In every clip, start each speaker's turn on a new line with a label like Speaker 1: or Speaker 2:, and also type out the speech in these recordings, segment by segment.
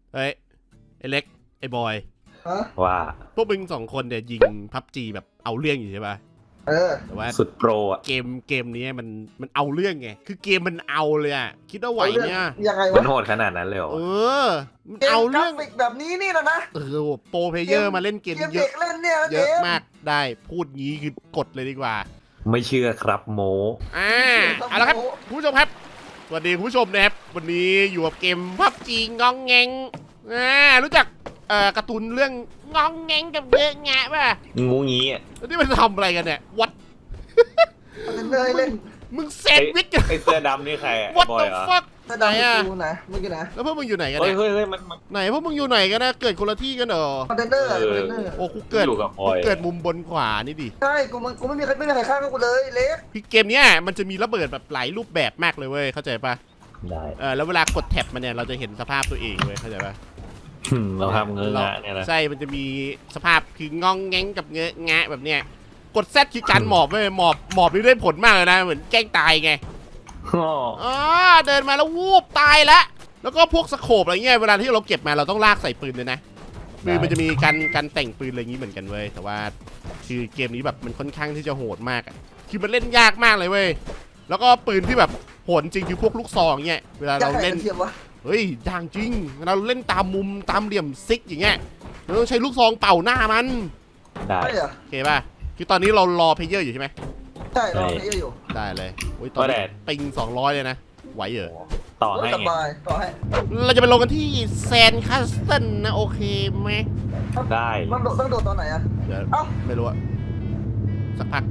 Speaker 1: เฮ้ยไอเล็กไอบอย
Speaker 2: ว่า
Speaker 1: พวกมึง2 คนเนี่ยยิงพับจีแบบเอาเรื่องอยู่ใช่ปะแต่ว่า
Speaker 2: สุดโปรอ่ะ
Speaker 1: เกมนี้มันเอาเรื่องไงคือเกมมันเอาเลยอะคิดว่าไหวเนี่ย
Speaker 3: ยังไง
Speaker 2: มัน
Speaker 3: วะ
Speaker 2: โหดขนาดนั้นเลยเหรอ
Speaker 1: มันเอาเรื่อง
Speaker 3: กราฟิกแบบนี้นี่แหละนะ
Speaker 1: โปรเพลเยอร์มาเล่นเกม
Speaker 3: เกม
Speaker 1: เย
Speaker 3: เด็
Speaker 1: อะ
Speaker 3: กเล่นเนี่ยนะ
Speaker 1: เยอะมากได้พูดงี้คือกดเลยดีกว่า
Speaker 2: ไม่เชื่อครับโม
Speaker 1: เอาละครับคุณผู้ชมครับสวัสดีคุณผู้ชมนะครับวันนี้อยู่กับเกมพับจีงองแงงรู้จักการ์ตูนเรื่องงองแงงกับเยอะแงะป่ะ
Speaker 2: งูงี้อ่ะ
Speaker 1: แล้วนี่มันทำอะไรกันเนี่ยวัด
Speaker 3: มันเลยเล่น
Speaker 1: มึงแซนด์วิชกัน
Speaker 2: ไอเสื้อดำนี่ใครอ่ะ
Speaker 1: วัด
Speaker 2: บอ
Speaker 1: ตั
Speaker 2: ยว เหรอ
Speaker 1: ฟัก
Speaker 3: ถ้า
Speaker 1: ไหน
Speaker 3: ดัง
Speaker 1: อะ
Speaker 3: กูนะเมื่อกี้นะ
Speaker 1: แล้วพวกมึงอยู่ไหนกัน
Speaker 2: เฮ้ย
Speaker 1: เนี่ย
Speaker 2: เฮ้ยมัน
Speaker 1: ไหนพวกมึงอยู่ไหนกันนะเกิดคนละที่กันเหรอ
Speaker 3: คอนเทนเนอร์คอนเทนเนอร์
Speaker 1: โอ้กูเกิด
Speaker 2: อยู่กับพลอย
Speaker 1: กูเกิดมุมบนขวานี่ดิ
Speaker 3: ใช่กูไม่มีใครฆ่ากูเลยเล็ก
Speaker 1: คือเกมเนี้ยมันจะมีระเบิดแบบหลายรูปแบบมากเลยเว้ยเข้าใจปะ
Speaker 2: ได้
Speaker 1: แล้วเวลากดแท็บมันเนี่ยเราจะเห็นสภาพตัวเองเว้ยเข้าใจปะ
Speaker 2: เราทำเงื้อะเนี่ยนะ
Speaker 1: ใช่มันจะมีสภาพคืององแงงกับเงอะงะแบบเนี้ยกดแซดคือการหมอบเว้ยหมอบนี่ได้ผลมากเลยนะเหมือนแกล้งตายไง
Speaker 2: อ๋อ
Speaker 1: เดินมาแล้ววูบตายแล้วก็พวกสโคปอะไรเงี้ยเวลาที่เราเก็บมาเราต้องลากใส่ปืนเลยนะปืนมันจะมีการแต่งปืนอะไรอย่างงี้เหมือนกันเว้ยแต่ว่าคือเกมนี้แบบมันค่อนข้างที่จะโหดมากอะคือมันเล่นยากมากเลยเว้ยแล้วก็ปืนที่แบบโหดจริงคือพวกลูกซองเงี้ยเวลาเราเล่น
Speaker 3: เทียมวะ
Speaker 1: เฮ้ยยากจริงเวลาเราเล่นตามมุมตามเหลี่ยมซิกอย่างเงี้ยเราต้องใช้ลูกซองเป่าหน้ามัน
Speaker 2: ได้
Speaker 3: ใช่เหรอ
Speaker 1: โอเคป่ะคือตอนนี้เรารอเพลเยอร์อยู่ใช่ไหม
Speaker 3: ใช่เราเยอะอยู่
Speaker 1: ได้เลยโอ้ยตอนนี้ปิง200เลยนะไหวเหรอ
Speaker 2: ต่อให้
Speaker 3: ส
Speaker 2: ไง
Speaker 3: บายต่อให้
Speaker 1: เราจะไปลงกันที่แซนคัสเซิลนะโอเคไหม
Speaker 2: ได้
Speaker 3: ต้องโดดตอนไหนอะ
Speaker 1: เดี๋ยว
Speaker 3: เอ้า
Speaker 1: ไม่รู้อะสักพัก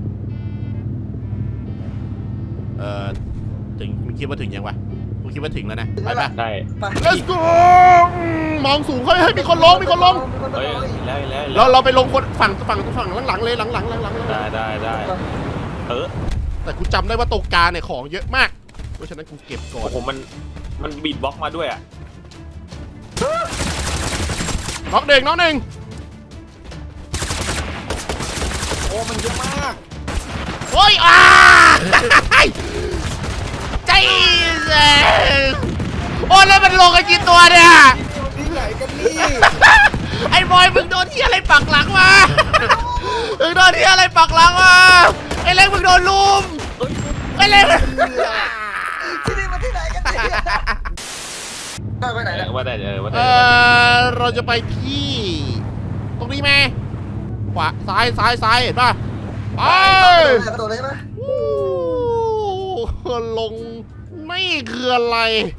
Speaker 1: ถึงมึงคิดว่าถึงยังวะมึงคิดว่าถึงแล้วนะไปปะ
Speaker 2: ได้
Speaker 3: ไป
Speaker 1: let's go มองสูงเฮ้ยมีคนลง
Speaker 2: เฮ้ยแล้ว
Speaker 1: เราไปลงคนฝั่งหลังเลยหลังเลย
Speaker 2: ได้
Speaker 1: แต่กูจำได้ว่าตรงกลางเนี่ยของเยอะมากเพราะฉะนั้นกูเก็บก่อน
Speaker 2: โอ้โหมันบีดบล็อกมาด้วยอ่ะ
Speaker 1: น็อกหนึ่ง
Speaker 3: โอ้มันเยอะมาก
Speaker 1: โอ้ยใจเย็นโอ้แล้วมันลงกันกี่ตัวเนี่ย
Speaker 3: ที่ไหนกันนี่
Speaker 1: ไอ้บอยมึงโดนที่อะไรปักหลังมามึงโดนที่อะไรปักหลังมาไอ้เล็กมึงโดนลุมไอ้เล็ก
Speaker 3: ที่นี่มันที่ไหนกันเนี่ยไปไหนเนี่ย
Speaker 2: ว่าได้ว่าได้
Speaker 1: เราจะไปที่ตรงนี้ไหมขวาซ้ายเห็นป่ะไป
Speaker 3: กระโดดเลยไหม
Speaker 1: ลงไม่คืออะไร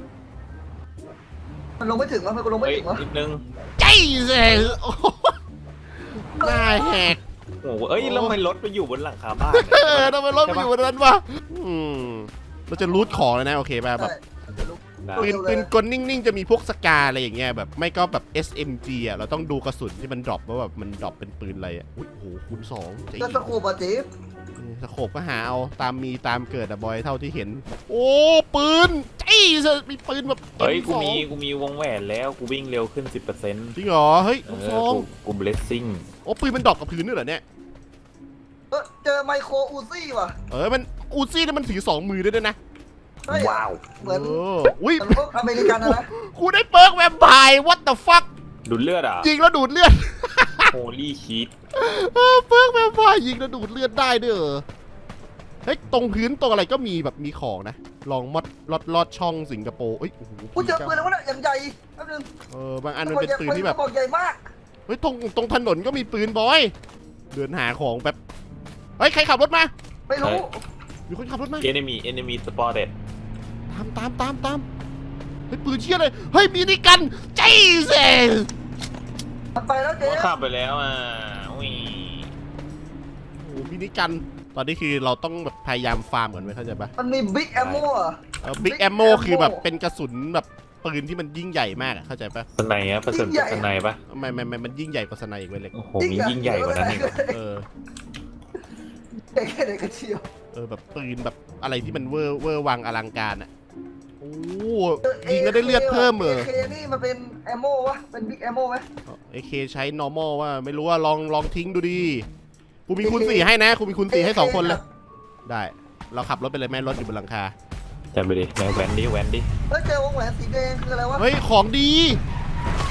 Speaker 3: มันลงไม่ถึงวะมันลงไม่
Speaker 2: เฮ้ย
Speaker 3: ถึงวะ
Speaker 2: นิดนึง
Speaker 1: ใจเสียหน้าแหก
Speaker 2: โอ้โหเอ้ยแล้วทำไมรถไปอยู่บนหลังคาบ้าน
Speaker 1: ทำไมรถมันอยู่บนนั้นวะเราจะรูทของเลยนะโอเคป่ะแบบปืนกลนิ่งๆจะมีพวกสกาอะไรอย่างเงี้ยแบบไม่ก็แบบ SMG อ่ะเราต้องดูกระสุนที่มันดรอปว่าแบบมันดรอปเป็นปืนอะไรอ่ะอุ้ยโหคูณ2ใจ
Speaker 3: ก็สกูบอะจิ๊บ
Speaker 1: สโคปก็หาเอาตามมีตามเกิดอะบอยเท่าที่เห็น โอ้ปืนใจมีปืนแบบ
Speaker 2: เฮ้ย
Speaker 1: M2
Speaker 2: กูมีวงแหวนแล้วกูวิ่งเร็วขึ้น 10%
Speaker 1: จริงเหรอเฮ้ยลูกซอง
Speaker 2: กูเบลสซิ่ง
Speaker 1: โอ้ปืนมันดรอปกับพื้นด้วยเหรอเนี่ย
Speaker 3: เจอไมโครอูซี่ว่ะ
Speaker 1: มันอูซี่นี่มันถือ2 มือด้วยนะ
Speaker 2: ว้าว
Speaker 3: เหมือน
Speaker 1: อุ้ย
Speaker 3: พวกอเมริกันนะ
Speaker 1: กูได้เปิร์กแวมไพร์ what the fuck
Speaker 2: ดูดเลือดอ่ะ
Speaker 1: ยิงแล้วดูดเลือด
Speaker 2: โฮลี่ชีต
Speaker 1: เปิร์กแวมไพร์ยิงแล้วดูดเลือดได้ด้วยเหรอเฮ้ยตรงพื้นตรงอะไรก็มีแบบมีของนะลองลอดช่องสิงคโปร์เอ้ยโอ้โห
Speaker 3: กูเจอปืนแล้ววะเนี่ยอย่างใหญ่แป๊บนึง
Speaker 1: บางอันมันเป็นปืนที่แบบ
Speaker 3: บอกใหญ่มาก
Speaker 1: เฮ้ยตรงถนนก็มีปืนบอย เดินหาของแบบเฮ้ยใครขับรถมา
Speaker 3: ไม่รู้
Speaker 1: มีคนขับรถมา
Speaker 2: เอนมีสปอร์เต็ด
Speaker 1: ตามเฮ้ยปืนเชี่ยเลยเฮ้ยมีนี่กันใจเซ่
Speaker 3: มันไปแล้วเจ๊
Speaker 2: ขับไปแล้วอ่ะอุ้ย
Speaker 1: โอ้มีนี่กันตอนนี้คือเราต้องแบบพยายามฟาร์มก่อนไว้เข้าใจปะ
Speaker 3: มันมีบิ๊กแอมโม่อะ
Speaker 1: บิ๊กแอมโมคือแบบเป็นกระสุนแบบปืนที่มันยิ่งใหญ่มากอะเข้าใจปะ
Speaker 2: สไนอ่ะผสมกับสไนปะ
Speaker 1: ไม่มันยิ่งใหญ่กว่าสไนอีกเว้ยเล็ก
Speaker 2: โอ้โหมียิ่งใหญ่กว่านั้นอีก
Speaker 1: เออ
Speaker 3: แค่ไหนกันเชียว
Speaker 1: แบบปืนแบบอะไรที่มันเวอร์วังอลังการอะโอ้ยิงแล้วได้เลือดเพิ่มเหรอ
Speaker 3: เคนี่มันเป็นแอมโม่วะเป็นบิ๊กแอมโม่ไหม
Speaker 1: AK ใช้ normal ว่าไม่รู้ว่าลองทิ้งดูดิกูมีคูณ4ให้นะกูมีคูณ4ให้2 คนเลยได้เราขับรถไปเลยแม่รถอยู่บนหลังคา
Speaker 2: จำไปดิแหวนดิ
Speaker 3: เฮ้ยเจอวงแหวนสีแดงคืออะไรวะ
Speaker 1: เฮ้ยของดี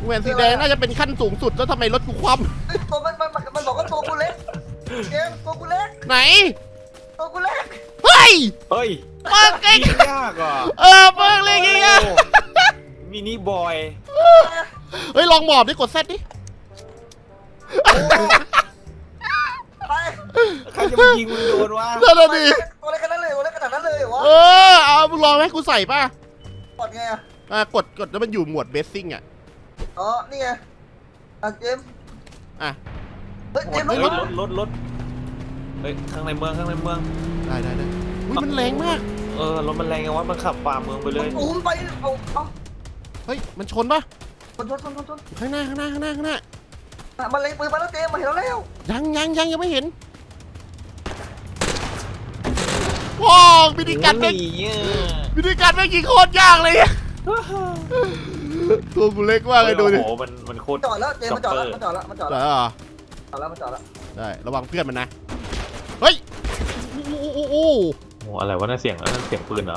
Speaker 1: แหวนสีแดงน่าจะเป็นขั้นสูงสุดแล้วทำไมรถกูคว่
Speaker 3: เฮ้ยตัวมันบอกว่าตัวกูเล็กเกมตัวกูเล็ก
Speaker 1: ำไหน
Speaker 3: ตัวกูเล็ก
Speaker 1: เฮ้ย
Speaker 2: เฮ้ย
Speaker 1: เปิกเอง
Speaker 2: ยิงยากอ่ะ
Speaker 1: เปิกเลยไงอะ
Speaker 2: โอ้มินิบอย
Speaker 1: เฮ้ยลองหมอบดิกดเซตดิ
Speaker 3: ไป
Speaker 2: ใครจะมายิงมึงโดนวะ
Speaker 1: นั่นน่ะดิ
Speaker 3: ตัวเล็กขนาดนั้นเลยตัวเล็กขนาดนั้นเลยเหรอวะ
Speaker 1: เอามึงลองให้กูใส่ป่ะ
Speaker 3: กดไงอะ
Speaker 1: กดแล้วมันอยู่หมวดเบสซิ่งอ่ะ
Speaker 3: อ๋อนี่ไงเจม
Speaker 1: อ่ะ
Speaker 3: เฮ้ยเจม
Speaker 2: เฮ้ย
Speaker 3: ร
Speaker 2: ร
Speaker 3: ถ
Speaker 2: ถเฮ้ยข้างในเมือง
Speaker 1: ได้อุ้ยมันแรงมาก
Speaker 2: รถมันแรงไงวะมันขับฝ่าเมืองไปเลย
Speaker 3: อุ้มไปเอา
Speaker 1: เฮ้ยมันชนป่ะ
Speaker 3: ชน
Speaker 1: ข้างหน้า
Speaker 3: มันเล็งปืนมาแล้วเจมมาเห็นแล้ว
Speaker 1: ยังไม่เห็นว้าววิธีการแม่งยิงโคตรยากเลยอะตัวกูเล็กมากเลยดูดิ
Speaker 2: โอ้โหมันโคตร
Speaker 3: จอดแล้วเจมมันจอดแล้ว
Speaker 1: ได้เหรอ
Speaker 3: มันจอดแล้ว
Speaker 1: ได้ระวังเพื่อนมันนะเฮ้ยโอ้
Speaker 2: โอ้อะไรวะนั่นเสียงปืนเหรอ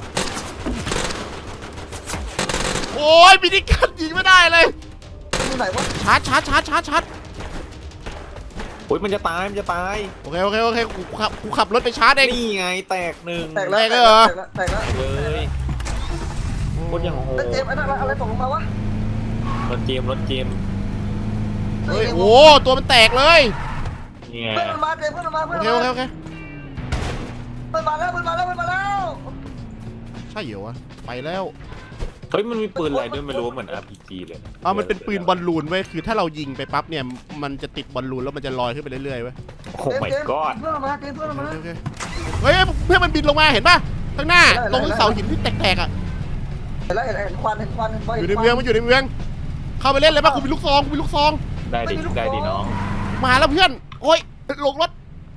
Speaker 1: โอ้ยวิธีการยิงไม่ได้เลย
Speaker 3: อยู่ไหนวะ
Speaker 1: ชาร์จ
Speaker 2: โอ้ยมันจะตาย
Speaker 1: โอเคกูขับรถไปชาร์จเอง
Speaker 2: นี่ไงแตกหนึ่ง
Speaker 3: แตกแล้ว
Speaker 2: เลยโคตรยังโห
Speaker 3: แล้วเจมอะไรตกลงมาวะ
Speaker 2: รถเจม
Speaker 1: เฮ้ยโอ้ตัวมันแตกเลย
Speaker 2: นี่ไง
Speaker 3: เพื่อนมันมาเจมเพื่อนมันมา
Speaker 1: โอเค
Speaker 3: เพื่อนมาแล้ว
Speaker 1: ใช่เหรอวะไปแล้ว
Speaker 2: เฮ้ยมันมีปืนอะไรด้วยไม่รู้เหมือน RPG เลยนะ
Speaker 1: มันเป็นปืนบอลลูนเว้ยคือถ้าเรายิงไปปั๊บเนี่ยมันจะติดบอลลูนแล้วมันจะลอยขึ้นไปเรื่อยๆเว้ย
Speaker 2: โอ้ my god
Speaker 3: เพื่อนมาเจมเพื่อนมา
Speaker 1: โอเคเฮ้ยเพื่อนมันบินลงมาเห็นป่ะข้างหน้าตรงเสาหินที่แตกๆอ่ะ
Speaker 3: เห็นแล้วเห็นควัน
Speaker 1: อยู่ในเมืองมันอยู่ในเมืองเข้าไปเล่นเลยป่ะกูมีลูกซอง
Speaker 2: ได้ดิน้อง
Speaker 1: มาแล้วเพื่อนโอ้ยลงรถ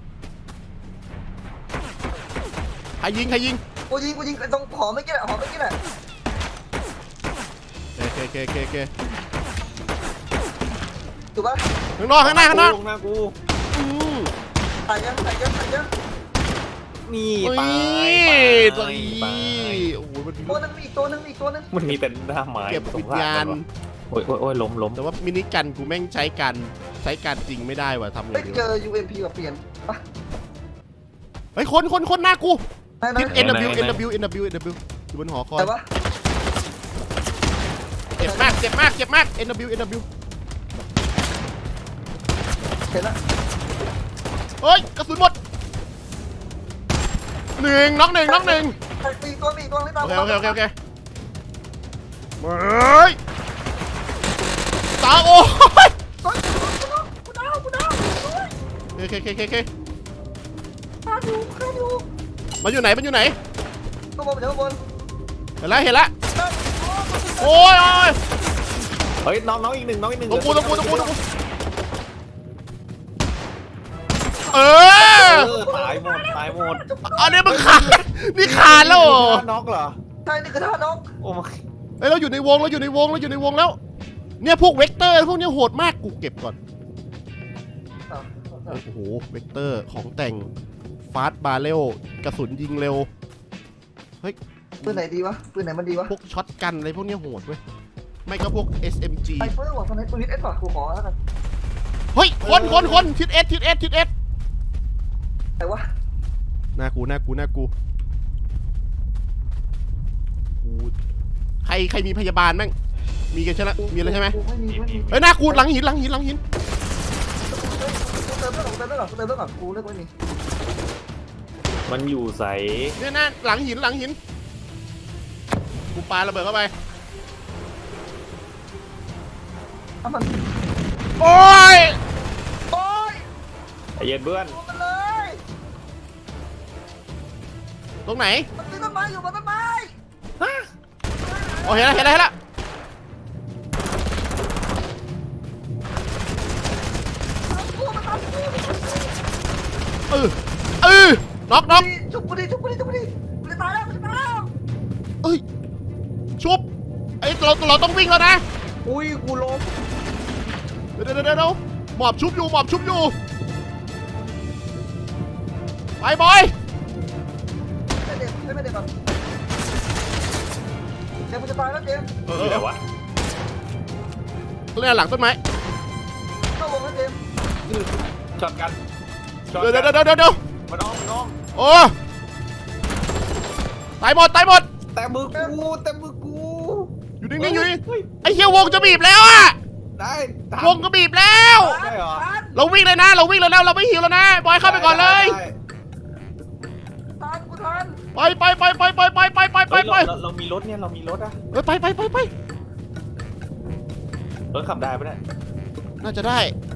Speaker 1: ใครยิง
Speaker 3: กูยิงตรงหอไม่กี่แหละ
Speaker 1: โอเค
Speaker 3: ถูกปะ
Speaker 1: ข้างนอกข้างหน้า
Speaker 2: ลงหน้ากู
Speaker 1: อืม
Speaker 3: ใส่ยัง
Speaker 2: นี่
Speaker 1: โอ้
Speaker 2: ตาย
Speaker 1: ตัวนี้โอ้โหมันมี
Speaker 3: ตัวนึงอีกตัวนึง
Speaker 2: มันมีแต่หน้าไม้
Speaker 1: เก็บวิญญาณ
Speaker 2: โอ้ยล้ม
Speaker 1: แต่ว่ามินิกันกูแม่งใช้การจริงไม่ได้ว่ะทำไง
Speaker 3: เฮ้ย
Speaker 1: ดี
Speaker 3: เจ
Speaker 1: วะ
Speaker 3: อ UMP กับเปลี่ยนปะ
Speaker 1: เฮ้ยคนหน้ากู
Speaker 3: ไหน
Speaker 1: ทิศ NW อยู่บนหอคอย
Speaker 3: แต่ว่า
Speaker 1: เจ็บมาก NW
Speaker 3: เห็นแล้ว
Speaker 1: เฮ้ยกระสุนหมดน็อกหนึ่ง
Speaker 3: มีตัวไม่ตาม
Speaker 1: โอเคเฮ้ยตาโอ้ย
Speaker 3: กูดาว
Speaker 1: โอเค
Speaker 3: ฆ่าอยู่
Speaker 1: มันอยู่ไหน
Speaker 3: ตัวบนเดี๋ยวบน
Speaker 1: เห็นแล้วโอ้ย
Speaker 2: เฮ้ยน้องอีกหนึ่ง
Speaker 1: ตรงกูเออ
Speaker 2: ตายหมด
Speaker 1: อันนี้มึงขาดนี่ขาดแล้วเหรอ
Speaker 2: น็อกเหรอ
Speaker 3: ใช่นี่คือท่านก
Speaker 2: โอ้
Speaker 1: เฮ้ยเราอยู่ในวงแล้ว เนี่ยพวกเวกเตอร์พวกเนี้ยโหดมากกูเก็บก่อนโอ้โหเวกเตอร์ของแต่งฟาสต์บาร์เรลกระสุนยิงเร็วเฮ้ย
Speaker 3: ปืนไหนดีวะปืนไหนมันดีวะ
Speaker 1: พวกช็อตกันอะไรพวกเนี้ยโหดเว้ยไม่ก็พวก SMG
Speaker 3: ไซเฟอร์ว่ะตอนนี้ปืนเอสว่ะกูขอแล้วกัน
Speaker 1: เฮ้ยคนทิศเอส
Speaker 3: ไหนวะ
Speaker 1: หน้ากูใครมีพยาบาลมั้งมีกันใช่ไหมมีแล้วใช่ไหม
Speaker 3: ไม่มี
Speaker 1: เฮ้ยหน้ากูหลังหิน
Speaker 3: เติมเรื่องก่อนกูเลือกไม่มี
Speaker 2: มันอยู่ใส
Speaker 1: เนี่ยนะหลังหินกูปาระเบิดเข้าไป
Speaker 3: ถ้ามัน
Speaker 1: โอ้ย
Speaker 2: ไอเย็นเพื่อน
Speaker 3: มันเลย
Speaker 1: ตรงไหน
Speaker 3: มันมีต้นไม้อยู่บนต้นไม้
Speaker 1: โอ้เห็นแล้วน็อก
Speaker 3: ชุบกูดิมันจะตายแล้ว
Speaker 1: เอ้ยชุบไอ้เราต้องวิ่งแล้วนะ
Speaker 2: อุ้ยกูล้ม
Speaker 1: เดี๋ยวหมอบชุบอยู่ไปบอย
Speaker 3: ไม่เด็กก่อนเจมมันจะตายแล้วเจม
Speaker 2: อยู่ไหนวะ
Speaker 1: เนี่ยหลังต้นไม้
Speaker 3: เข้าวงแล้วเจมส์
Speaker 2: ช็อตกันช็อต
Speaker 1: เดี๋ยว
Speaker 2: กัน
Speaker 1: เดี๋ยวเดี๋ยวเดี๋ยว
Speaker 2: มันอ้อม
Speaker 1: โอ้ตายหมดตายหมด
Speaker 2: แต่มือกู
Speaker 1: อยู่นิ่งๆอยู่นี่ไอ้เหี้ยวงจะบีบแล้วอะ
Speaker 2: ได้ทัน
Speaker 1: วงก็บีบแล้ว
Speaker 2: ได้เหรอ
Speaker 1: เราวิ่งเลยนะ เราวิ่งเลยนะเราไม่หิวแล้วนะบอยเข้าไปก่อนเลย
Speaker 2: ได้
Speaker 3: ทันกูทัน
Speaker 1: ไปไปไปไปไปไปไปไปไป
Speaker 2: เฮ้ย
Speaker 1: ไป
Speaker 2: เรามีรถเนี่ยเรามีรถอะ
Speaker 1: เฮ้ยไปไปไปไป
Speaker 2: รถขับได้ปะเนี่ย
Speaker 1: น่าจะได้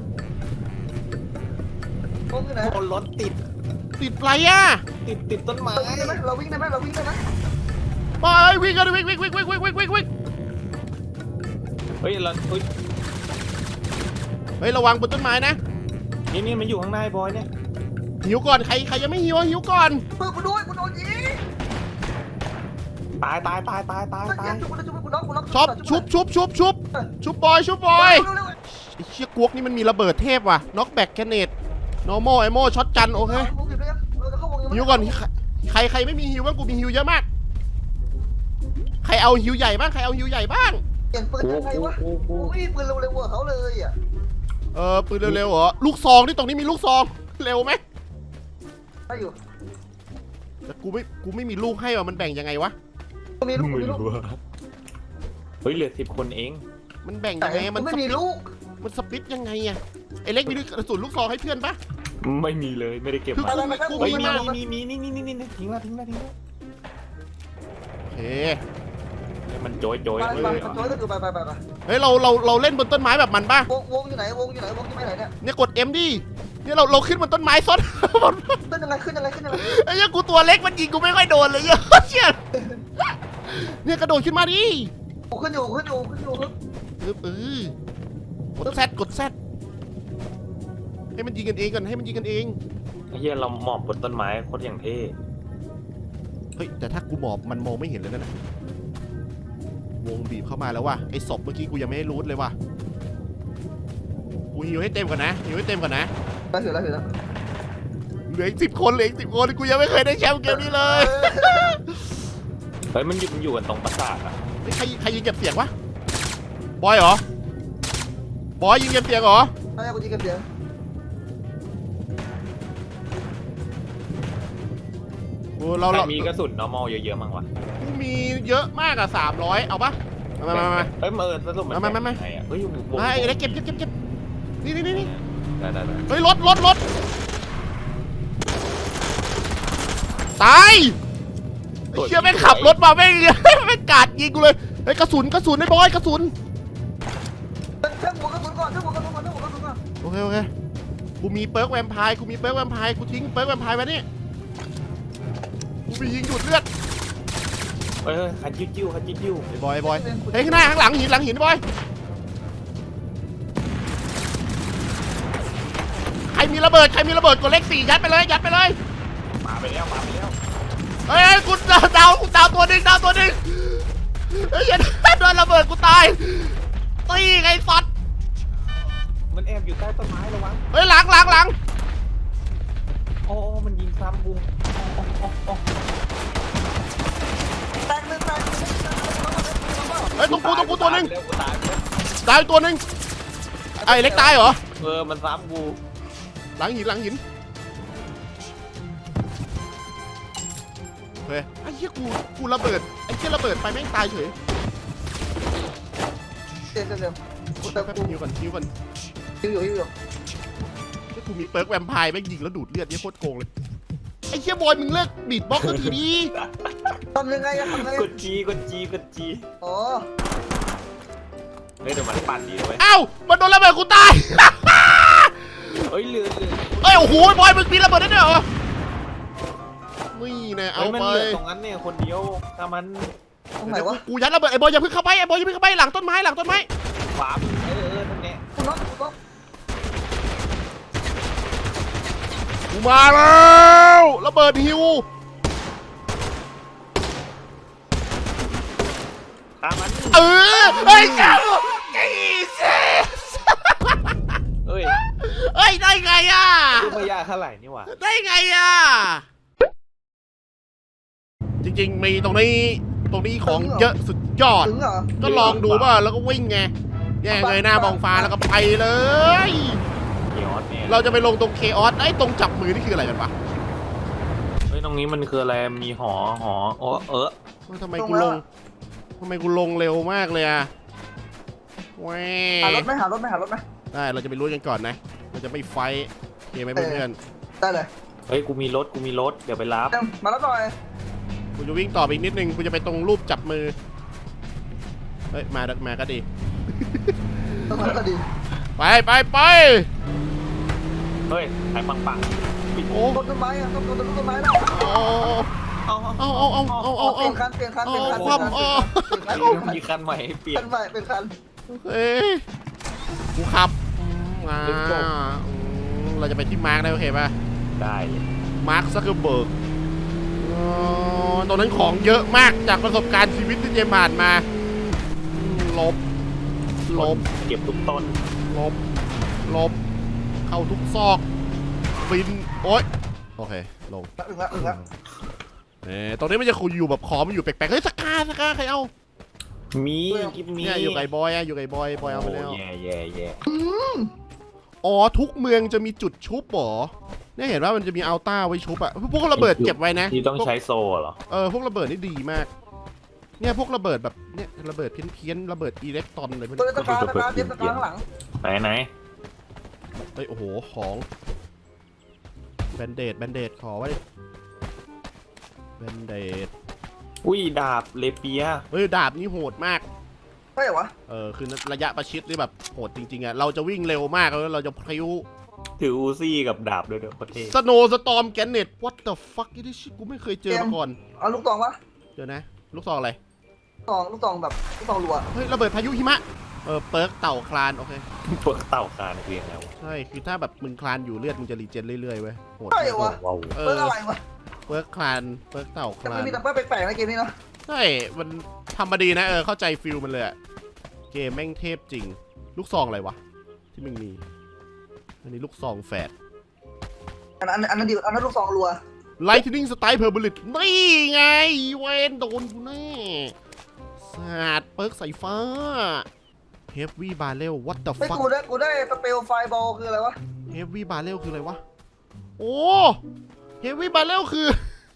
Speaker 3: วงอยู่ไหน
Speaker 2: โดนรถติด
Speaker 1: ติดไรอะ
Speaker 2: ติดต้นไม้
Speaker 3: เราวิ่งได้ไหมเราวิ่งได้ไหมเราวิ่งได้ไหม
Speaker 1: ไปวิ่งกันวิ่งวิ่งวิ่งวิ่งวิ่งวิ่งวิ่งวิ่ง
Speaker 2: เฮ้ยเราเฮ้ย
Speaker 1: เฮ้ยระวังบนต้นไม้นะ
Speaker 2: นี่มันอยู่ข้างในบอยเนี่ย
Speaker 1: หิวก่อนใครยังไม่หิวหิวก่อน
Speaker 3: เพื่อนกูด้วยกูโดนยิง
Speaker 2: ตาย
Speaker 3: เจมส์ชุบกูน็อกกูน็อก
Speaker 1: ช็อปชุบบอยชุบบอยไอ้เชี่ยกวกนี่มันมีระเบิดเทพว่ะน็อกแบกแกเนต normal ammo ช็อตกันโอเค หิวก่อนใครไม่มีหิวบ้างกูมีหิวเยอะมาก ใครเอาหิวใหญ่บ้างใครเอาหิวใหญ่บ้าง
Speaker 3: เปลี่ยนปืนยังไงวะกูไม่มีปืนเร็วๆกว่าเขาเลยอ่ะ
Speaker 1: ปืนเร็วๆเหรอลูกซองนี่ตรงนี้มีลูกซองเร็วไหม
Speaker 3: ได้อยู่
Speaker 1: แต่กูไม่มีลูกให้ว่ะมันแบ่งยังไงวะ
Speaker 3: กูมีลูกกูมีลูก
Speaker 2: เฮ้ยเหลือ10 คนเอง
Speaker 1: มันแบ่ง
Speaker 3: แต่
Speaker 1: ยังไง
Speaker 3: กูไม่มีลูก
Speaker 1: มันสปิตยังไงอะไอเล็กมีกระสุนลูกซองให้เพื่อนปะ
Speaker 2: ไม่มีเลยไม่ได้เก็บ
Speaker 1: คือ
Speaker 2: มา
Speaker 1: กู
Speaker 2: เฮ้ย
Speaker 1: มีมาก
Speaker 2: มีนี่ทิ้งละ
Speaker 1: โอเค
Speaker 2: มันโจย
Speaker 3: ไปไปไปโจ้ก็คือไป
Speaker 1: เฮ้ยเราเล่นบนต้นไม้แบบมันปะ
Speaker 3: วงอยู่ไหนวงอยู่ไหนเนี่ย
Speaker 1: เนี่ยกด M ดิเนี่ยเราขึ้นบนต้นไม้ซ้อน
Speaker 3: ขึ้นยังไง
Speaker 1: ไอ้เหี้ยกูตัวเล็กมันยิงกูไม่ค่อยโดนเลยเหี้ยเชี่ยเนี่ยกระโดดขึ้นมาดิ
Speaker 3: กูขึ้นอยู่
Speaker 1: กดแซดให้มันยิงกันเองก่อนให้มันยิงกันเอง
Speaker 2: ไอ้เหี้ยเราหมอบบนต้นไม้โคตรอย่างเท่
Speaker 1: เฮ้ยแต่ถ้ากูหมอบมันมองไม่เห็นเลยนะวงบีบเข้ามาแล้วว่ะไอ้ศพเมื่อกี้กูยังไม่ได้รูทเลยว่ะกูหิวให้เต็มก่อนนะหิวให้เต็มก่อนนะ
Speaker 3: ได้ถือแล้ว
Speaker 1: เหลืออีก10 คนกูยังไม่เคยได้แชมป์เกมนี้เลย
Speaker 2: เฮ้ยมันอยู่กันตรงปราสาทอะ
Speaker 1: นี่ใครยิงเก็บเสียงวะบอยเหรอบอยยิงเก็บเสียงเหรอ
Speaker 3: ได้กูยิงกันเสียง
Speaker 1: โอ้เรา
Speaker 2: ใครมีกระสุน normal เยอะๆมั้งวะ
Speaker 1: กูมีเยอะมากอะ300เอาปะมา
Speaker 2: เฮ้ยสรุปมัน
Speaker 1: มา
Speaker 2: ไงอะเฮ้ย
Speaker 1: ไอ้เล็กเก็บนี่
Speaker 2: ได้
Speaker 1: เฮ้ยรถตายไอ้เชี่ยแม่งขับรถมาแม่ง ไม่กาดยิงกูเลยเฮ้ยกระสุนไอ้บอยกระสุน
Speaker 3: เครื่องหัวกระสุนก่อน
Speaker 1: โอเคกูมีเปิร์กแวมไพร์กูทิ้งเปิร์กแวมไพร์ไว้นี่กูมียิงหยุดเลือด
Speaker 2: เฮ้ยคันจิ้ว
Speaker 1: ไอ้บอยเฮ้ยข้างหน้าข้างหลังหินบอยใครมีระเบิดกดเลข4ยัดไปเลย
Speaker 2: มาไปแล้ว
Speaker 1: เฮ้ยกูดาวตัวหนึ่งเฮ้ยอย่าโดนระเบิดกูตายตีไงสัตว์
Speaker 2: มันแอบอยู่ใต้ต้นไม้ระวัง
Speaker 1: เฮ้ยหลัง
Speaker 2: โอ้มันยิงซ้ำกู
Speaker 3: แตกหนึ่ง
Speaker 1: เฮ้ยตรงกูตัวหนึ่ง
Speaker 2: กูตายแล้ว
Speaker 1: ตายตัวหนึ่งไอ้เล็กตายเหรอ
Speaker 2: มันซ้ำกู
Speaker 1: หลังหินเฮ้ยไอ้เหี้ยกูระเบิดไอ้เหี้ยระเบิดไปแม่งตายเฉย
Speaker 3: เต็มกูเติม
Speaker 1: แป๊บ
Speaker 3: กู
Speaker 1: หิวก่อน
Speaker 3: อยู่
Speaker 1: กูมีเปิร์กแวมไพร์แม่งยิงแล้วดูดเลือดเนี่ยโคตรโกงเลยไอ้เหี้ยบอยมึงเลิกบีดบ็อกซ์สักทีดิ
Speaker 3: ทำยังไง
Speaker 2: กดจี
Speaker 3: อ๋อ
Speaker 2: เฮ้ยเดี๋ยวมันปั่นดีด้วย
Speaker 1: เอ้ามันโดนระเบิดกูตาย
Speaker 2: เฮ้ยเรือ
Speaker 1: เอ้ยโอ้โหบอยมึงมีระเบิดได้ด้วยเหรอนี่แน่เอา
Speaker 2: มัน
Speaker 1: ไป
Speaker 2: เหลือตรงนั้นเนี่ยคนเดียวถ้ามัน
Speaker 3: ตรงไหนวะ
Speaker 1: กูยัดระเบิดไอ้บอยอย่าเพิ่งเข้าไปหลังต้นไม้
Speaker 2: ขวานั่นแหละ
Speaker 3: กูน็อก
Speaker 1: กูมาแล้วระเบิดฮิว
Speaker 2: ตามมัน
Speaker 1: เฮ้ยเจ้าจีเซส
Speaker 2: เฮ้ย
Speaker 1: ได้ไงอ่ะ
Speaker 2: ดูไม่ยากเท่าไหร่นี่หว่า
Speaker 1: ได้ไงอ่ะจริงๆมีตรงนี้ของเยอะสุดยอด
Speaker 3: ถึงเหรอ
Speaker 1: ก็ลองดูป่ะแล้วก็วิ่งไงเนี่ยเงยหน้ามองฟ้าแล้วก็ไปเลย
Speaker 2: เกียร์เนี่ย
Speaker 1: เราจะไปลงตรงเคออสไอ้ตรงจับมือนี่คืออะไรกันปะ
Speaker 2: เฮ้ยตรงนี้มันคืออะไรมีหอโอ้
Speaker 1: ทำไมกูลงเร็วมากเลยอะแหว
Speaker 3: หารถไหมหารถไหมหารถไหม
Speaker 1: ได้เราจะไปรู้กันก่อนนะเราจะไม่ไฟท์โอเคไหมเพื่อน
Speaker 3: ได้เลย
Speaker 2: เฮ้ยกูมีรถเดี๋ยวไปรับ
Speaker 3: มาแล้วหน่อย
Speaker 1: ๆกูจะวิ่งต่อไปอีกนิดนึงกูจะไปตรงรูปจับมือเฮ้ยมาก็ดี
Speaker 3: ต้องมาแล้วก็ดี
Speaker 1: ไป
Speaker 2: เฮ้ยไอ้ปัง
Speaker 1: โอ้
Speaker 3: ต้นไม้อะต้องต้นไม้แล้ว
Speaker 2: เอา
Speaker 3: เปลี่ยนคันเปลี่ยนคัน
Speaker 2: มีคันใหม่ให้เปลี่ย
Speaker 3: คั
Speaker 2: น
Speaker 3: นใหม่เป็นคัน
Speaker 1: เอ้ยกูขับมา
Speaker 2: Let's go
Speaker 1: เราจะไปที่มาร์กได้โอเคป่ะ
Speaker 2: ได้เลย
Speaker 1: มาร์คซักเคอร์เบิร์กตรงนั้นของเยอะมากจากประสบการณ์ชีวิตที่เจมผ่านมาลบ
Speaker 2: เก็บทุกต้น
Speaker 1: ลบเข้าทุกซอกฟินโอ๊ยโอเคลง
Speaker 3: อึ้งละ
Speaker 1: ตรงนี้มันจะคุยอยู่แบบขอมันอยู่แปลกๆเฮ้ยสกาใครเอา
Speaker 2: มีกิฟมี
Speaker 1: เนี่ยอยู่ไก่บอยอะอยู่ไก่บอยเอาไปแล้ว
Speaker 2: แย่
Speaker 1: อ๋อทุกเมืองจะมีจุดชุบเหรอเนี่ยเห็นว่ามันจะมีอัลต้าไว้ชุบอะพวกระเบิดเก็บไว้นะ
Speaker 2: ที่ต้องใช้โซ่เหรอ
Speaker 1: พวกระเบิดนี่ดีมากเนี่ยพวกระเบิดแบบเนี่ยระเบิดเพี้ยนระเบิดอิเล็กตรอนอะไรพวก
Speaker 3: ตัว
Speaker 1: นี้
Speaker 3: ตะการเตรียมตะการข้างหลัง
Speaker 2: ไหน
Speaker 1: เฮ้ยโอ้โหของแบนเดดขอไว้แบนเดด
Speaker 2: อุ้ยดาบเลเปีย
Speaker 1: เฮ้ยดาบนี่โหดมาก
Speaker 3: ใช่เหรอวะ
Speaker 1: คือระยะประชิดนี่แบบโหดจริงๆอะเราจะวิ่งเร็วมากแล้วเราจะพริ้ว
Speaker 2: ถืออูซี่กับดาบด้วยเด้อประเทศ
Speaker 1: สโนสตอมแกนเน็ต what the fuck นี่ชิกูไม่เคยเจอมาก่อน
Speaker 3: เอาลูกตองวะ
Speaker 1: เดี๋ยวนะ ลูกซองอะไร
Speaker 3: ลูกตองแบบลูกตองรัว
Speaker 1: เฮ้ยระเบิดพายุหิมะเปิร์กเต่าคลานโอเค
Speaker 2: พวกเต่าคานเรียงแล้ว
Speaker 1: ใช่คือถ้าแบบมึงคลานอยู่เลือดมึงจะรีเจนเรื่อยๆเว้ยโหด
Speaker 3: ใช่เหรอวะ
Speaker 2: ว้าว
Speaker 1: เอ
Speaker 3: เปิด
Speaker 1: อ
Speaker 3: อะไรวะ
Speaker 1: เปิร์กคลานเปิร์กเต่าค
Speaker 3: แต่
Speaker 1: ลา
Speaker 3: มัน
Speaker 1: น
Speaker 3: มีแต่เปิดแปลกๆในเกมนี้เนาะ
Speaker 1: ใช่มันทำมาดีนะเข้าใจฟิลมันเลยอะเกมแม่งเทพจริง ลูกซองอะไรวะที่มึงมีอันนี้ลูกซองแฝด
Speaker 3: อันนั้นดีอันนั้นลูกตองรัว
Speaker 1: Lightning Strike Perbulit นี่ไงเวนโดนกูแน่สาดเปิร์กสายฟ้า Heavy Barrel what the
Speaker 3: ไม่
Speaker 1: fuck
Speaker 3: กูได้สเปลไฟบอลคืออะไรวะ
Speaker 1: Heavy Barrel คืออะไรวะโอ้ Heavy Barrel คือ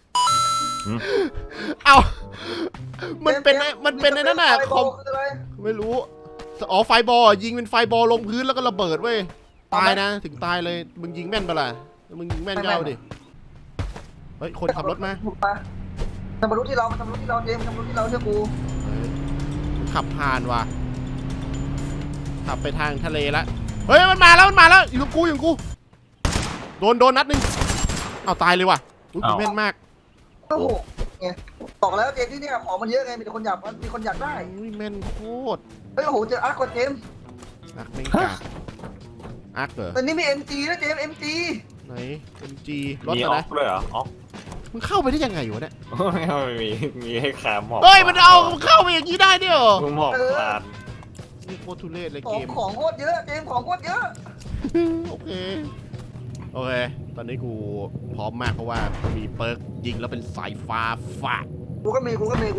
Speaker 1: เอามันเป็นในนั่นน่ะคอม
Speaker 3: คืออะไร
Speaker 1: ไม่รู้อ๋อไฟบอลยิงเป็นไฟบอลลงพื้นแล้วก็ระเบิดเว้ยตายนะถึงตายเลยมึงยิงแม่นปะล่ะมึงยิงแม่นก็เอาดิเฮ้ยคนขับรถมา
Speaker 3: ทำบรรลุที่เราเจมทำบรรลุที่เราเชื่อกู
Speaker 1: เฮ้ยขับผ่านว่ะขับไปทางทะเลละเฮ้ยมันมาแล้วอยู่กับกูโดนนัดหนึ่งเอาตายเลยว่ะอุ้ยแม่นมาก
Speaker 3: โอ้โหไงบอกแล้วเจมที่นี่ของมันเยอะไงมีคนอยากได้
Speaker 1: อุ้ยแม่นโคตร
Speaker 3: เฮ้ยโอ้โหเจออาร์กว่าเจม
Speaker 1: อักแม่งกากอักเหรอ
Speaker 3: แต่นี่มี MG นะเจม MG
Speaker 1: ไหน MG รถ
Speaker 2: มี
Speaker 1: อะ
Speaker 2: อ
Speaker 1: ไร
Speaker 2: อกด้วยเหรอออก
Speaker 1: มึงเข้าไปได้ยังไงวะเนี่ย
Speaker 2: มีให้ขาหมอบ
Speaker 1: เฮ้ยมันเข้าไปอย่างนี้ได้ด้วยเหรอ
Speaker 2: หมอบคลาน
Speaker 1: นี่โคตรทุเรศเลย
Speaker 3: ขอ
Speaker 1: เก
Speaker 3: ง
Speaker 1: ม
Speaker 3: ของโคตรเยอะเจมของโคตรเยอะ
Speaker 1: โอเค ตอนนี้กูพร้อมมากเพราะว่ามีเปิร์กยิงแล้วเป็นสายฟ้าฟาด
Speaker 3: กูก็มี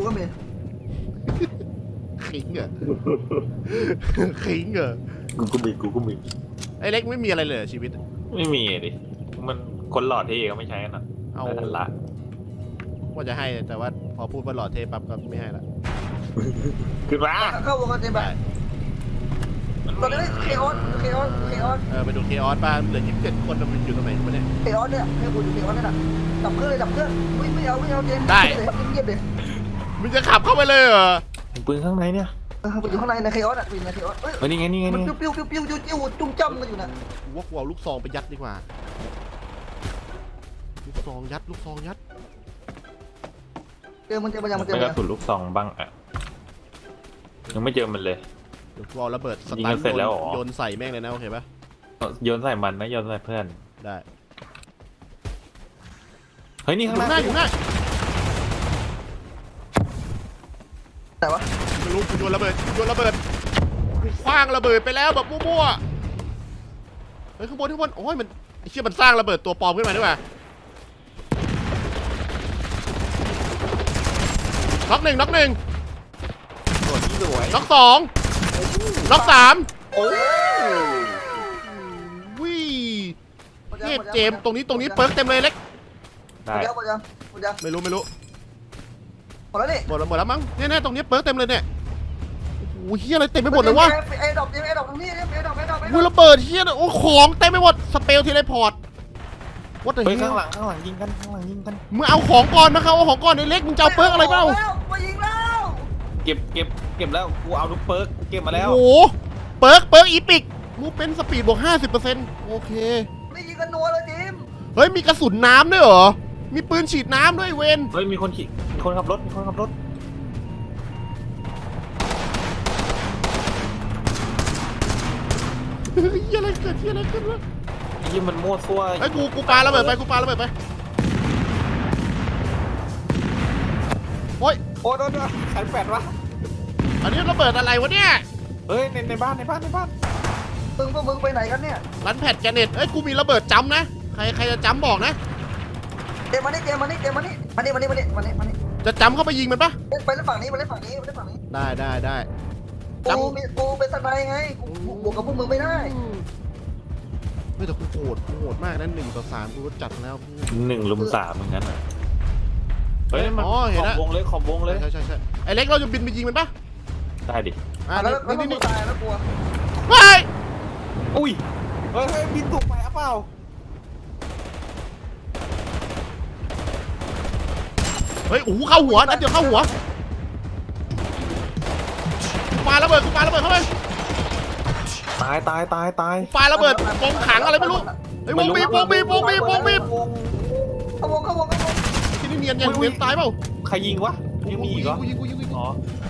Speaker 1: ขิงเหรอ ขิงเหรอ
Speaker 2: กูก็มี
Speaker 1: ไอ้เล็กไม่มีอะไรเลยเหรอชีวิต
Speaker 2: ไม่มีดิมันคนหลอดที่ก็ไม่ใช้กันนะ
Speaker 1: เอา
Speaker 2: แต่ละ
Speaker 1: ว่าจะให้แต่ว่าพอพูดว่าหล่อเทปั๊บก็ไม่ให้ละ
Speaker 2: ขึ้นมา
Speaker 3: เข้าวงกันเจมแบบตอนนี้เคออส
Speaker 1: ไปดูเคออสบ้างเหลือ27คนมันอยู่ตรงไหนวะเนี่ย
Speaker 3: เคออสเนี่ยให้กูดูเคออสนี่แหละดับเครื่องไม่เอาเจมเงียบเลย
Speaker 1: มึงจะขับเข้าไปเลยเหรอ
Speaker 2: ปืนข้างในเนี่ย
Speaker 3: กูอยู่ข้างในเคออสอ่ะปืนในเคออสเฮ้ย
Speaker 2: นี่ไง
Speaker 3: มันปิ้วจุ้มจ้ำกันอยู่นะ
Speaker 1: กูว่ากูเอาลูกซองไปยัดดีกว่าลูกซองยัด
Speaker 3: เจอมัน
Speaker 2: ไม่กระสุนลูกซองบ้างอ่ะยังไม่เจอมันเลย
Speaker 1: เดี๋ยวกูเอาระเบิดส
Speaker 2: ยิง
Speaker 1: ตั
Speaker 2: กัน นเสร็จแล้วเหรอ
Speaker 1: โยนใส่แม่งเลยนะโอเคปะ
Speaker 2: โยนใส่มันนะโยนใส่เพื่อน
Speaker 1: ได้
Speaker 2: เฮ้ยนี่
Speaker 1: อ
Speaker 2: ข้าง
Speaker 1: ยู่
Speaker 2: ห
Speaker 1: หน้า
Speaker 2: น้า
Speaker 1: อยู่หน้า
Speaker 3: แต่ว่า
Speaker 1: ไม่รู้กูโยนระเบิดกูคว้างระเบิดไปแล้วแบบมั่วๆเฮ้ยข้างบนโอ้ยมันไอ้เชี่ยมันสร้างระเบิดตัวปลอมขึ้นมาด้วยว่ะน็อกหนึ่ง
Speaker 2: สวย
Speaker 1: น็อกสองล็อก 3
Speaker 2: โอ้ย
Speaker 1: วิเทพเจมส์ตรงนี้เปิร์กเต็มเลยเล็ก
Speaker 2: ได้
Speaker 3: หมดยัง
Speaker 1: ไม่รู้
Speaker 3: หมดแล้วนี่
Speaker 1: หมดแล้วมั้งเนี่ยตรงนี้เปิร์กเต็มเลยเนี่ยโอ้โหเฮียอะไรเต็มไปหมดเลยวะ
Speaker 3: ไอ้ดอกตรงนี้ไอ้ดอก
Speaker 1: วูระเบิดเฮียโอ้ของเต็มไปหมดสเปลเทเลพอร์ตวัดแต่
Speaker 2: เฮ้ย
Speaker 1: เฮีย
Speaker 2: ข้างหลังยิงกันข้างหลังยิงกัน
Speaker 1: มึงเอาของก่อนนะครับเอาของก่อนไอ้เล็กมึงจะเอาเปิร์กอะไรเปล่า
Speaker 3: มายิงแล้ว
Speaker 2: เก็บแล้วกูเอาทุกเปิร์กเก็บมาแล้ว
Speaker 1: โอ้โหเปิร์กอีปิกมูเป็นสปีดบวก 50%โอเค
Speaker 3: ไม่ยิงกันนัวเลยทีม
Speaker 1: เฮ้ยมีกระสุนน้ำด้วยเหรอมีปืนฉีดน้ำด้วยเวน
Speaker 2: เฮ้ยมีคนขับรถ
Speaker 1: เฮ้ยอะไรเกิดวะ
Speaker 2: ไอ้ยี่มันมั่วซั่ว
Speaker 1: ไอ้ยกูปาระเบิดไปโอ้ย
Speaker 2: โอ้โดนขันแปดวะ
Speaker 1: อันนี้ระเบิดอะไรวะเนี่ย
Speaker 2: เฮ้ยในบ้าน
Speaker 3: พวกมึงไปไหนกันเนี่ย
Speaker 1: รันแพดแกเน็ตเอ้ยกูมีระเบิดจ้ำนะใครจะจ้ำบอกนะ
Speaker 3: เกมมานี่มานี่
Speaker 1: จะจ้ำเข้าไปยิงมันปะ
Speaker 3: ไปเล่นฝั่งนี้
Speaker 1: ได้
Speaker 3: กูเป็นสไนไงกูบวกกับพวกมึงไม่ได้
Speaker 1: ไม่แต่กูโหดมากนะ1-3กูก็จัดแล้ว
Speaker 2: 1 ลุม 3เหมือนกันอ่ะเฮ้ยมัน
Speaker 1: อ๋อเห็น
Speaker 2: ข
Speaker 1: แล้
Speaker 2: อ
Speaker 1: ว
Speaker 2: บวงเลย
Speaker 1: ใช่ไอ้เล็กเราจะบินไปยิงมันปะ
Speaker 2: ได้ดิ
Speaker 3: แล้ว
Speaker 1: นี่
Speaker 3: มึงตายแล้วกลัว
Speaker 1: เฮ้ย
Speaker 2: อุ้ยเฮ้ยบินตกไปอ่ะเปล่า
Speaker 1: เฮ้ยโอ้โหเข้าหัวนัดเดียวเข้าหัวกูปาระเบิดเข้าไป
Speaker 2: ตาย
Speaker 1: ปาระเบิดกองขังอะไรไม่รู้ไอ้ยวงบีบ
Speaker 3: เอาวง
Speaker 1: ที่นี่เนียนเวียนตายเปล่า
Speaker 2: ใครยิงวะยังมีอีกเหรอ
Speaker 1: กูยิง
Speaker 2: อ๋อ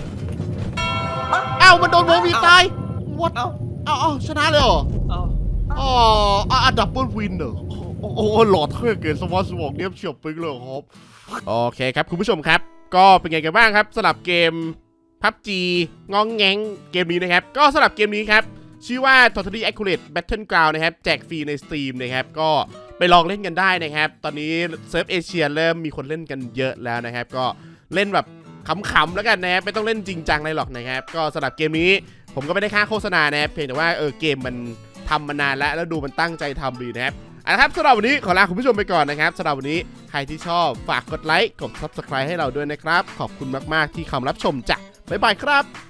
Speaker 1: อ้าวมันโดนวงบีบตายวัด
Speaker 2: เอ้า
Speaker 1: เอาชนะเลยเหรอ
Speaker 2: เอ้า
Speaker 1: อ๋อดับเบิลวินเหรอโอ้หลอดเท่เกินสมองเนี้ยเฉียบปึ๊กเลยครับโอเคครับคุณผู้ชมครับก็เป็นไงกันบ้างครับสำหรับเกม PUBG งองแงงเกมนี้นะครับก็สำหรับเกมนี้ครับชื่อว่า Totally Accurate Battleground นะครับแจกฟรีใน Steam นะครับก็ไปลองเล่นกันได้นะครับตอนนี้เซิร์ฟเอเชียเริ่มมีคนเล่นกันเยอะแล้วนะครับก็เล่นแบบขำๆแล้วกันนะครับไม่ต้องเล่นจริงจังอะไรหรอกนะครับก็สำหรับเกมนี้ผมก็ไม่ได้ค่าโฆษณานะครับเพียงแต่ว่าเกมมันทำมานานแล้วดูมันตั้งใจทำดีนะครับครับสำหรับวันนี้ขอลาคุณผู้ชมไปก่อนนะครับสำหรับวันนี้ใครที่ชอบฝากกดไลค์กด Subscribe ให้เราด้วยนะครับขอบคุณมากๆที่เข้ามารับชมจ้ะบ๊ายบายครับ